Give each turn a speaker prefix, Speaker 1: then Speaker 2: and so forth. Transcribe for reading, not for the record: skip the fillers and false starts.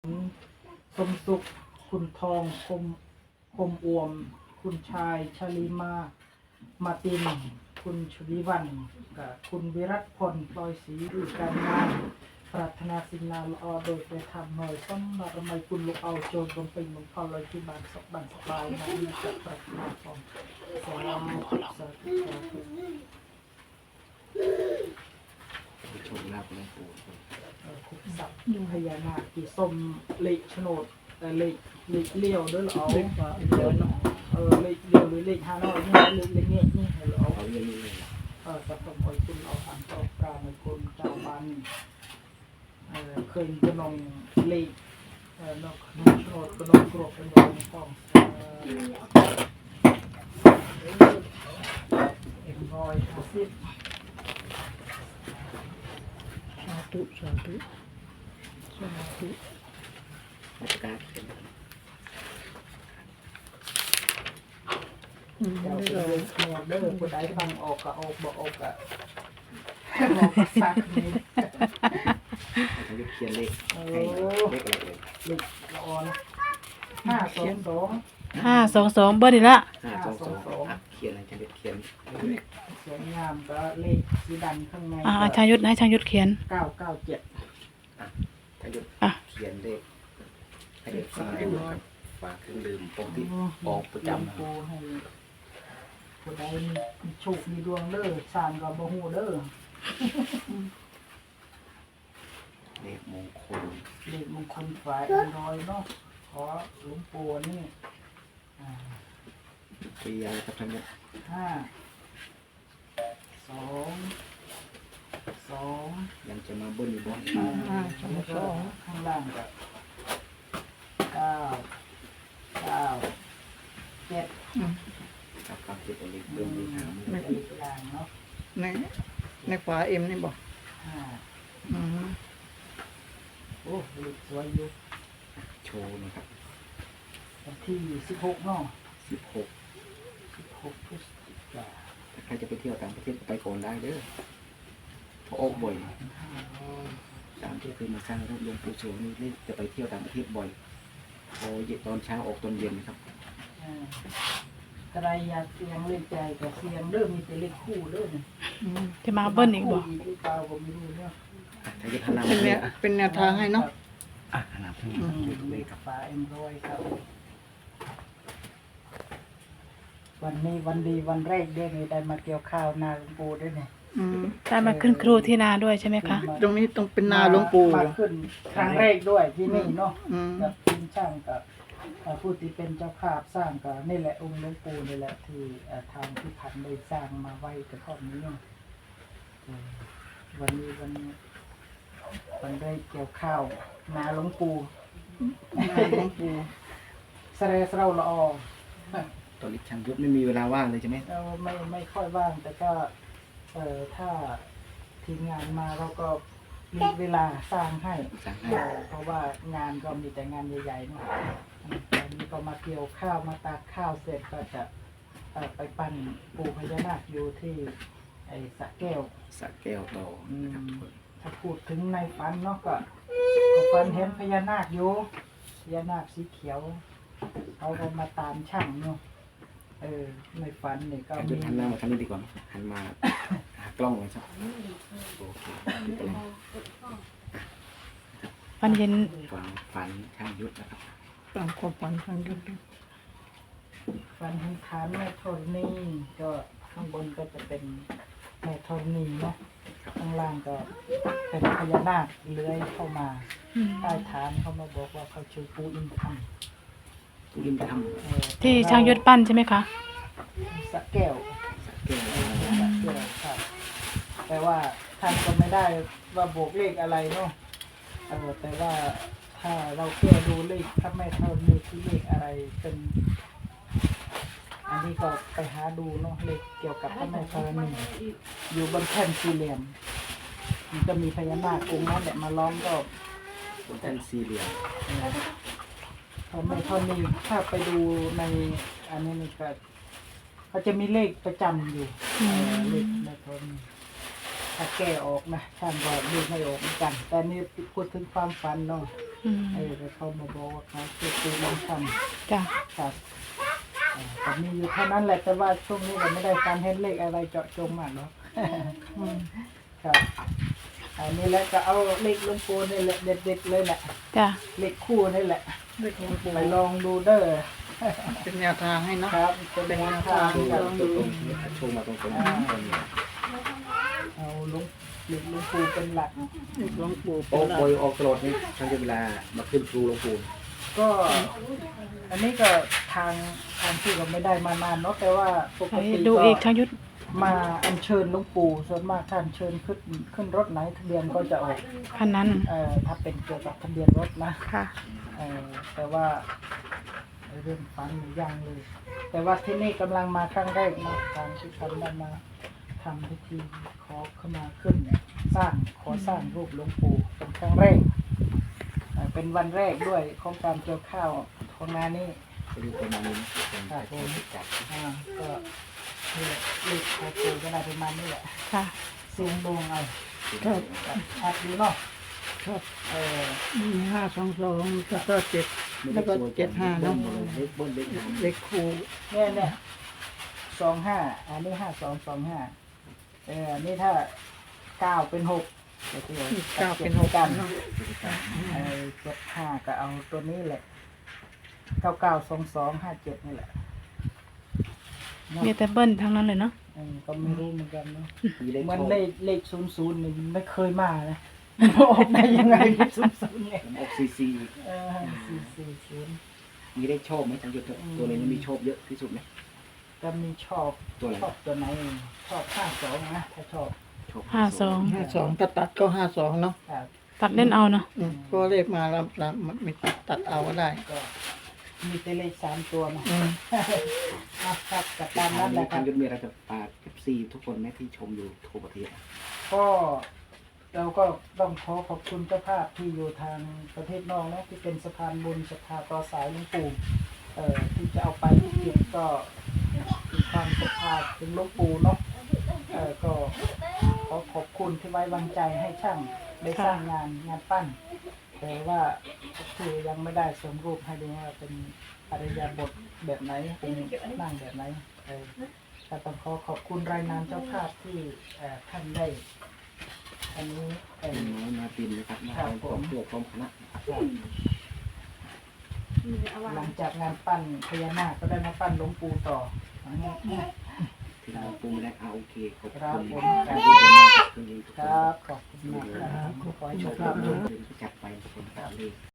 Speaker 1: สมสุขคุณทองคมอวมคุณชายชลิมาตินคุณชวิวันกับคุณวิรัตพลปลอยศรีดูการงานปรารถนาสิ่งนาละอโดยไปทำหน่อยสำหรับไม่คุณลูกเอาโจรบนเป็นหลวงพ่อลอยที่บ้านสบายสบายนะนี่จะปรารถนาของสาธุสาธุสาธุ
Speaker 2: ชมลาบหลวงปู่
Speaker 1: คุกสับพญานาคที่ส้มเล็กโฉนดเล็กเลี้ยวด้วยเหรอเล็กเลี้ยวเนาะเล็กเลี้ยวหรือเล็กฮานอยนี่เล็กเงี้ยนี่เหรอ
Speaker 2: เขาเรียนนี่
Speaker 1: สับสมอยคุณเอาอันต่อปลาในคนเจ้าบ้านเคยกระนองเล็กนกโฉนดกระนองกรอบเป็นดอกฟอง150สาธุสาธุสาธุ
Speaker 2: ราชการเป็น
Speaker 1: เด้อผู้ใดฟังออกก็ออกบ่ออกก็บอกก็ซักนี่
Speaker 2: เขาจะเขียนเลขให้เลขอะไรเลย
Speaker 1: เลขละออน522
Speaker 3: เบอร์นี่ละ
Speaker 2: 522เขียนอะไรจะเขียน
Speaker 1: สวยงามก็เลขสีดำข้างใน
Speaker 3: ช่างยุทธนะช่างยุทธเขียน
Speaker 1: 997
Speaker 2: ช่างยุทธเขียนเลขให้เด็กฟังดูครับฝากเครื่องดื่มปกติออกประจำ
Speaker 1: ให้ผู้ใดมีโชคมีดวงเด้อสร้างก็บ่ฮู้เด้อ
Speaker 2: เลขมงคล
Speaker 1: ฝ่าย100เนาะขอหลวงปู่นี่
Speaker 2: ปีอะไรครับท่านเนี่ย
Speaker 1: 2
Speaker 2: ยังจะมาเบิ้ลอีกบ่
Speaker 1: ข้างล่างก็7
Speaker 2: ครับเก็บเอาเลขเบิ้ลอีก
Speaker 1: ในล่างเนาะ
Speaker 4: ในขวาเอ็มนี่บอก
Speaker 1: โอ้เลขสวยอยู่
Speaker 2: โชว์นะครับ
Speaker 1: วันที่16เนาะ
Speaker 2: 16
Speaker 1: พฤศจิกายน
Speaker 2: ถ้าใครจะไปเที่ยวต่างประเทศก็ไปก่อนได้เด้อเพราะออกบ่อยตามที่เคยมาสร้างรูปหลวงปู่โสมนี่จะไปเที่ยวต่างประเทศบ่อยพอเย็นตอนเช้าออกตอนเย็นนะครับ
Speaker 1: กระไรอยากเสียงเล่นใจกับเสียงเริ่มมีแต่เลขคู่เริ่ม
Speaker 3: จะมาเบิ้ลอีกบ่
Speaker 1: หรือเปล่าผมไม่รู้เนี่ย
Speaker 4: เป็นแนวทางให้เนาะ
Speaker 2: ขนาดนี้
Speaker 1: เลขฟ้า100ครับวันนี้วันดีวันแรกได้มาเกี่ยวข้าวนาหลวงปู่ด้วยเนี่ย
Speaker 3: ได้มาขึ้นครูที่นาด้วยใช่ไหมคะ
Speaker 4: ตรงนี้ต้องเป็นนาหลวงปู่
Speaker 1: มาขึ้นครั้งแรกด้วยที่นี่เนาะกับทีมช่างกับผู้ที่เป็นเจ้าภาพสร้างก็นี่แหละองค์หลวงปู่นี่แหละที่ทางที่พันได้สร้างมาไว้กระท่อมนี้เนาะวันนี้วันได้เกี่ยวข้าวนาหลวงปู่เสร็จเราละออ
Speaker 2: ตอนนี้ช่างยุทธไม่มีเวลาว่างเลยใช่ไหม
Speaker 1: ไม่ค่อยว่างแต่ก็ถ้าทีมงานมาเราก็มีเวลาสร้างให้เพราะว่างานก็มีแต่งานใหญ่ๆเนาะวันนี้ก็มาเกี่ยวข้าวมาตากข้าวเสร็จก็จะไปปั้นปู่พญานาคอยู่ที่สระแก้ว
Speaker 2: ต่อนะครับ
Speaker 1: ถ้าพูดถึงในฝันเนาะก็ฝันเห็นพญานาคอยู่พญานาคสีเขียวเขาก็มาตามช่างเนาะในฝันนี่ก็
Speaker 2: มีหันหน้ามาทางนี้ดีกว่าหันมาหากล้องเลยครับโอเค
Speaker 3: ฝันเห็น
Speaker 2: ฝันช่างยุทธนะครับ
Speaker 4: ตามความฝันช่างยุทธ
Speaker 1: ฝันเห็นฐานแม่ธรณีก็ข้างบนก็จะเป็นแม่ธรณีเนาะข้างล่างก็เป็นพญานาคเลื้อยเข้ามาใต้ฐานเขามาบอกว่าเขาชื่อปู่อินทร์
Speaker 3: ที่ช่างยุทธปั้นใช่ไหมคะ
Speaker 1: สระแก้วครับแต่ว่าท่านก็ไม่ได้ว่าบวกเลขอะไรเนาะแต่ว่าถ้าเราแก้ดูเลขถ้าไม่เท่านี้ที่เลขอะไรเป็นอันนี้ก็ไปหาดูเนาะเลขเกี่ยวกับพระแม่ธรณีอยู่บนแท่นสี่เหลี่ยมมันจะมีพญานาคองค์นั้นแหละมาล้อมก็
Speaker 2: บนแท่นสี่เหลี่ยม
Speaker 1: พระแม่ธรณีถ้าไปดูในอันนี้นี่ก็เขาจะมีเลขประจำอยู่เลขแม่ธรณีถ้าแก้ออกนะท่านก็เลขไม่ออกเหมือนกันแต่นี่พูดถึงความฝันเนาะ
Speaker 3: อืม
Speaker 1: แล้วเขามาบอกว่าเขาช่วยปูลองท
Speaker 3: จ้ะ
Speaker 1: ำครับแต่มีอยู่เท่านั้นแหละแต่ว่าช่วงนี้เราไม่ได้การเห็นเลขอะไรเจาะจงมากเนาะ ครับอันนี้แล้วก็เอาเลขหลวงปู่นี่แหละเด็ดๆเลยแหละ
Speaker 3: จ้ะ
Speaker 1: เลขคู่นี่แหละ
Speaker 4: เลขหลวงปู่
Speaker 1: ไปลองดูเด้อ
Speaker 4: เป็นแนวทางให้เนาะ
Speaker 1: ครับเป็นแนวทาง
Speaker 2: โชว์
Speaker 1: ครับ
Speaker 2: ตรงๆโชว์มาตรงๆ
Speaker 1: เอาหลวงปู่เป็นหลัก
Speaker 4: เลขหลวงปู่
Speaker 2: โอ้บอยออกตลอดนี่ทั้งเวลามาขึ้นครูหลวงปู่
Speaker 1: ก็อันนี้ก็ทางที่เราไม่ได้มานานเนาะแต่ว่าปก
Speaker 3: ให้
Speaker 1: ติ
Speaker 3: ดู
Speaker 1: ก็
Speaker 3: อีกช่างยุทธ
Speaker 1: มาอัญเชิญหลวงปู่ส่วนมากท่านเชิญขึ้นรถไหนทะเบียนก็จะออก
Speaker 3: คันนั้น
Speaker 1: ถ้าเป็นเกี่ยวกับทะเบียนรถนะ
Speaker 3: ค่ะ
Speaker 1: แต่ว่าเรื่องฟันยังเลย แต่ว่าที่นี่กำลังมาครั้งแรกนะทางที่ท่านได้มาทำพิธีขอเข้ามาขึ้นขอสร้างรูปหลวงปู่เป็นครั้งแรกเป็นวันแรกด้วยของการเกี่ยวข้าวของงานนี้
Speaker 2: ดูประมาณนี้เป็นการจัด
Speaker 1: ก็นี่แหละเลขขอปู่ก็ได้ประมาณนี้แหละ
Speaker 3: ค่ะ
Speaker 1: เสียงดวงเอา
Speaker 4: ครับ
Speaker 1: ชัดดีเนาะ
Speaker 4: ครับ
Speaker 1: เออ
Speaker 4: มี522แล้วก็7แล้วก็75เนาะ
Speaker 2: เล็กบนเล็ก
Speaker 4: เลขคู่
Speaker 1: เนี่ย25อันนี้5225อันนี้ถ้า9เป็น6ก็คือ
Speaker 4: 9เป็น6
Speaker 1: กัน
Speaker 4: เนาะ
Speaker 1: 75ก็เอาตัวนี้แหละ992257นี่แหละเนาะ
Speaker 3: มีแต่เบิ้ลทั้งนั้นเลยเนาะ
Speaker 1: ก็ไม่รู้เหมือนกันเนาะ
Speaker 2: มีเล็ก
Speaker 1: มัน
Speaker 2: โชว์
Speaker 1: เลข00นี่มันไม่เคยมานะมันออกได้ยังไงเลข00เนี่ย
Speaker 2: ออกซี
Speaker 1: 440
Speaker 2: มีได้โชคไหมจังหยุดตัวนี้มีโชคเยอะที่สุดไหม
Speaker 1: ก็มีชอบ
Speaker 2: ตัวอะไร
Speaker 1: ชอบตัวไหนชอบ52นะถ้าชอบ
Speaker 2: โชค
Speaker 4: 52ถ้าตัดก็52เนาะ
Speaker 1: ครับ
Speaker 3: ตัดเล่นเอาเนาะ
Speaker 4: ก็เลขมาแล้วมันไม่ตัดเอาก็ได้
Speaker 1: ก็มีแต่เลข3ตัวนะ
Speaker 4: อืม
Speaker 1: ครับกับ
Speaker 2: ตา
Speaker 1: ตาม มนั้นแหละค
Speaker 2: จั
Speaker 1: รั
Speaker 2: ง
Speaker 1: บ
Speaker 2: หยุดมีอะไรจะฝากซีทุกคนไหมที่ชมอยู่ทั่วประเทศ
Speaker 1: ก็เราก็ต้องขอบคุณเจ้าภาพที่อยู่ทางประเทศนอกนะที่เป็นสะพานบุญศรัทธาต่อสายหลวงปู่ที่จะเอาไปที่เกียรติก็มีความศรัทธาถึงหลวงปู่เนาะก็ขอขอบคุณที่ไว้วางใจให้ช่างได้สร้างงานปั้น แต่ว่าคือยังไม่ได้สมรูปให้ดูว่าเป็นอริยบทแบบไหนเป็นนั่งแบบไหนก็ต้องขอบคุณรายนามเจ้าภาพที่ท่านได้อันนี้
Speaker 2: น้อยมาตินนะครับมาพร้อมตัวพร้อมคณะ
Speaker 1: หลังจากงานปั้นพญานาคก็ได้มาปั้นหลวงปู่ต่อ
Speaker 2: ถึงเราปรุงไม่ได้โอเคขอบ
Speaker 1: ครับ
Speaker 2: คุณ
Speaker 1: ผม
Speaker 2: การดูแลทุกคน
Speaker 1: ครับขอบคุณมากครับขอให้โชคดี
Speaker 2: จัดไปคนตามเลข